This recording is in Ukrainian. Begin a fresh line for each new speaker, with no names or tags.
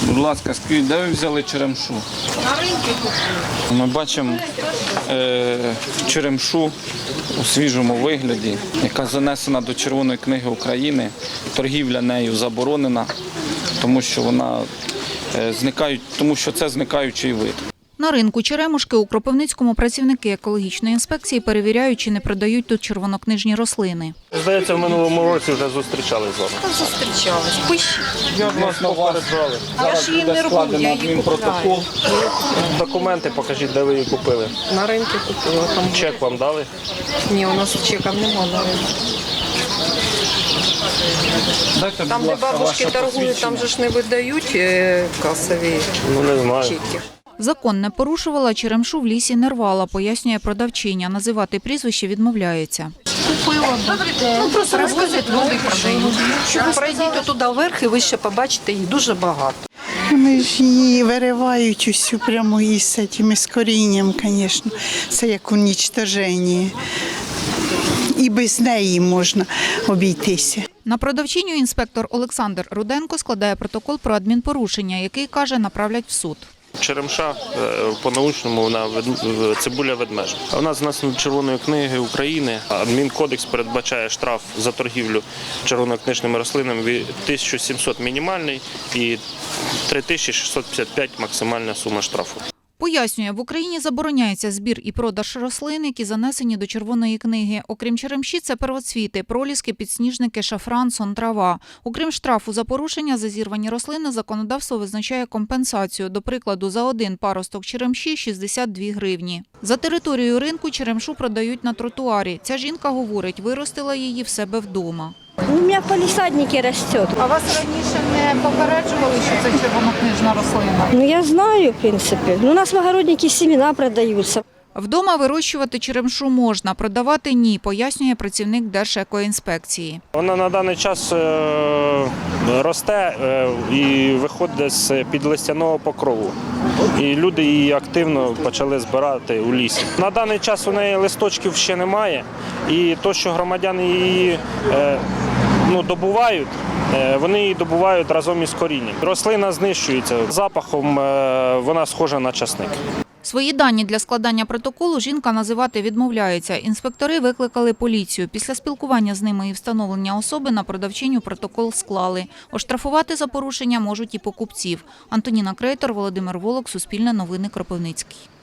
Будь ласка, скажіть, де ви взяли черемшу?
На ринку купили.
Ми бачимо черемшу у свіжому вигляді, яка занесена до Червоної книги України. Торгівля нею заборонена, тому що це зникаючий вид.
На ринку Черемушки у Кропивницькому працівники екологічної інспекції перевіряють, чи не продають тут червонокнижні рослини.
Здається, в минулому році вже зустрічались з вами.
Зустрічались. Пишіть.
Я вас попереджали.
Я ж її не роблю, я її купляю.
Документи покажіть, де ви її купили.
На ринку купила. Там...
Чек вам дали?
Ні, у нас чека немає на ринку.
Дайте,
Там,
будь
де
ласка,
бабушки
ваше
торгують, там же ж не видають касові
Ну, не знаю.
чеки.
Закон не порушувала, черемшу в лісі не рвала, пояснює продавчиня. Називати прізвище відмовляється.
Купила. Ну, просто розвозять, люди продають. Пройдіть туди вверх і ви ще побачите, їх дуже багато.
Вони ж її виривають усю прямо з корінням, звісно. Це як унічтоження. І без неї можна обійтися.
На продавчиню інспектор Олександр Руденко складає протокол про адмінпорушення, який, каже, направлять в суд.
Черемша, по-научному, вона цибуля ведмежа. А у нас знесено до Червоної книги України. Адмінкодекс передбачає штраф за торгівлю червонокнижними рослинами від 1700 мінімальний і 3655 максимальна сума штрафу.
Пояснює, в Україні забороняється збір і продаж рослин, які занесені до Червоної книги. Окрім черемші, це первоцвіти, проліски, підсніжники, шафран, сон, трава. Окрім штрафу за порушення за зірвані рослини, законодавство визначає компенсацію. До прикладу, за один паросток черемші – 62 гривні. За територією ринку черемшу продають на тротуарі. Ця жінка говорить, виростила її в себе вдома.
У меня в палисаднике растет.
А вас раніше не попереджували, що це червонокнижна рослина?
Ну, я знаю, в принципе. Но у нас в огороднике семена продаются.
Вдома вирощувати черемшу можна, продавати – ні, пояснює працівник Держекоінспекції.
Вона на даний час росте і виходить з-під листяного покрову. І люди її активно почали збирати у лісі. На даний час у неї листочків ще немає. І те, що громадяни її добувають, вони її добувають разом із корінням. Рослина знищується. Запахом вона схожа на часник.
Свої дані для складання протоколу жінка називати відмовляється. Інспектори викликали поліцію. Після спілкування з ними і встановлення особи на продавчиню протокол склали. Оштрафувати за порушення можуть і покупців. Антоніна Крейтор, Володимир Волок, Суспільне новини, Кропивницький.